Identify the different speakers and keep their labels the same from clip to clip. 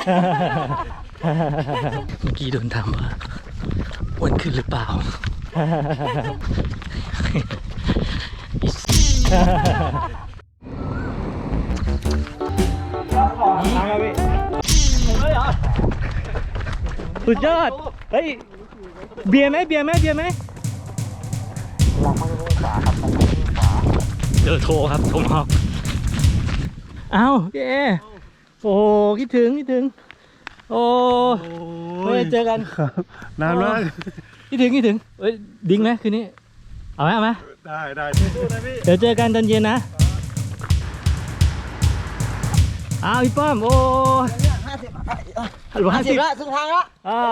Speaker 1: เมื่อกี้โดนถามว่าอ้วนขึ้นหรือเปล่าสุดยอดเฮ้ยเบียร์ไหมเบียร์ไหมเบียร์ไหมเจอโทรครับโทรมาเอ้าเย้โอ้คิดถึงโอ้ไม่ได้เจอกัน
Speaker 2: นานมาก
Speaker 1: คิดถึงเอ้ยดิ้งไหมคืนนี้เอาไหม
Speaker 2: ได้
Speaker 1: เดี๋ยวเจอกันตอนเย็นนะอ้าวพี่ป้อมโอ้50
Speaker 3: ละสุดทางละ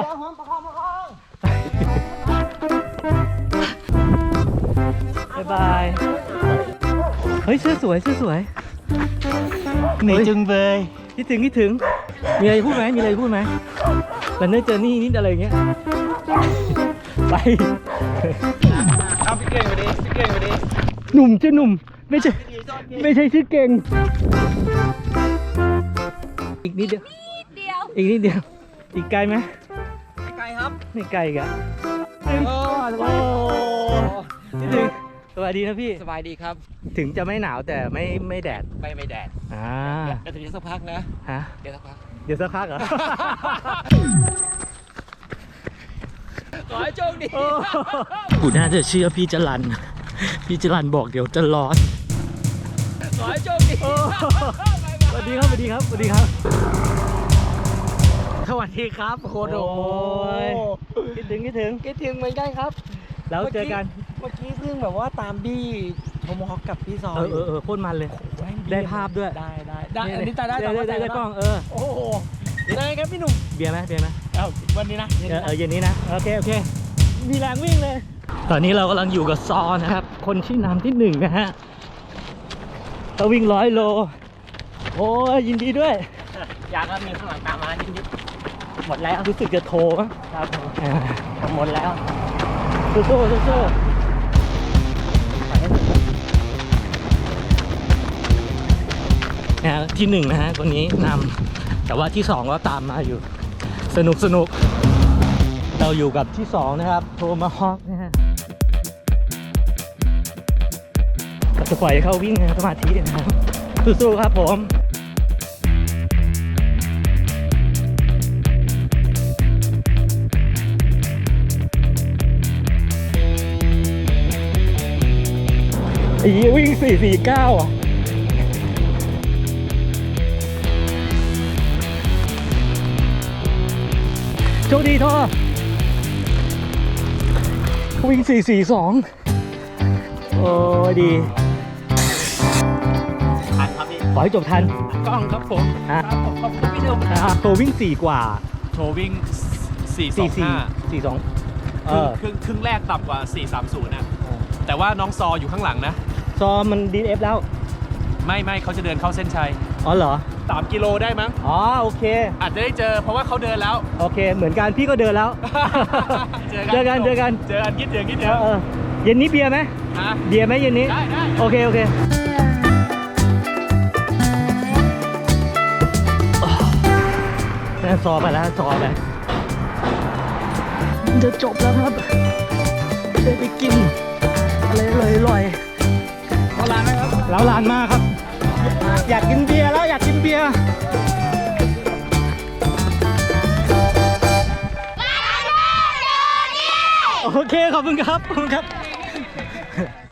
Speaker 1: บ๊ายบายเฮ้ยเสื้อสวย
Speaker 2: เหนื่อยจึงเลย
Speaker 1: คิดถึงมีอะไรพูดไหมแล้วเนื้อเจอนี่นิดอะไรเงี้ยไป
Speaker 2: เอาพี่เก่งไปดิ
Speaker 1: หนุ่มชื่อหนุ่มไม่ใช่ชื่อเก่งอีกนิดเดียวอีกไกลไหม
Speaker 3: ไม่ไกลครับ
Speaker 1: ไม่ไกลกะสวัสดีนะพี่
Speaker 3: สบายดีครับ
Speaker 1: ถึงจะไม่หนาวแต่ไม่แดด
Speaker 3: ไม่แดดเดี๋ยวสักพักนะเดี๋ยวสักพัก
Speaker 1: เหรอ
Speaker 3: ขอให้โชคดี
Speaker 1: กูน่าจะเชื่อพี่จรันบอกเดี๋ยวจะร้อน
Speaker 3: ขอให้โชคดี
Speaker 1: สวัสดีครับโคโดคิดถึง
Speaker 3: เหมือนกันครับ
Speaker 1: แล้วเจอกัน
Speaker 3: เมื่อกี้เพิ่งแบบว่าตามบี้โทมฮอคกับพี่ซอย
Speaker 1: โคตรมันเลยได้ภาพด้วย
Speaker 3: ได้อันนี้ได้
Speaker 1: กล้อง
Speaker 3: โอ้โหได้ครับพี่หนุ่ม
Speaker 1: เบียร์ไหม
Speaker 3: วันนี้นะ
Speaker 1: เย็นนี้นะโอเคมีแรงวิ่งเลยตอนนี้เรากำลังอยู่กับซอนะครับคนที่นำที่1นะฮะเขาวิ่ง100 โลโอ้ยยินดีด้วย
Speaker 3: อยากมีข้างหลังตามมานิด
Speaker 1: หมดแล้วรู้สึกจะโทร
Speaker 3: ครับหมดแล้ว
Speaker 1: สู้ที่1นะฮะคนนี้นำแต่ว่าที่2ก็ตามมาอยู่สนุกเราอยู่กับที่2นะครับโทมาฮอกนะฮะเราจะปล่อยเขาวิ่งสมาธินะครับสู้ๆครับผมวิ่ง449อ่ะโชคดีท่อวิ่ง442โอ้ดี
Speaker 3: ทันครับพี่
Speaker 1: ขอให้จบทัน
Speaker 3: กล้องครับผมขอบคุณพี่หนุ่ม
Speaker 1: โทรวิ่ง4กว่า
Speaker 2: โทรวิ่ง
Speaker 1: 442
Speaker 2: ครึ่งแรกต่ำกว่า430นะแต่ว่าน้องซออยู่ข้างหลังนะ
Speaker 1: ซอมันDNFแล้ว
Speaker 2: ไม่เขาจะเดินเข้าเส้นชัย
Speaker 1: อ๋อเหรอ
Speaker 2: 3 กิโลได้มั้ง
Speaker 1: โอเค
Speaker 2: อาจจะได้เจอเพราะว่าเขาเดินแล้ว
Speaker 1: โอเคเหมือนกันพี่ก็เดินแล้วเจอกัน
Speaker 2: คิดถึง
Speaker 1: เย็นนี้เบียร์ไหมเบียร์ไหมเย็นนี้
Speaker 2: ได้
Speaker 1: โอเคซอไปแล้วจะจบแล้วครับได้ไปกินอะไรอร่อย
Speaker 3: ร้านไหมครับ
Speaker 1: ร้านมากครับอยากกินเบียร์โอเคขอบคุณครับ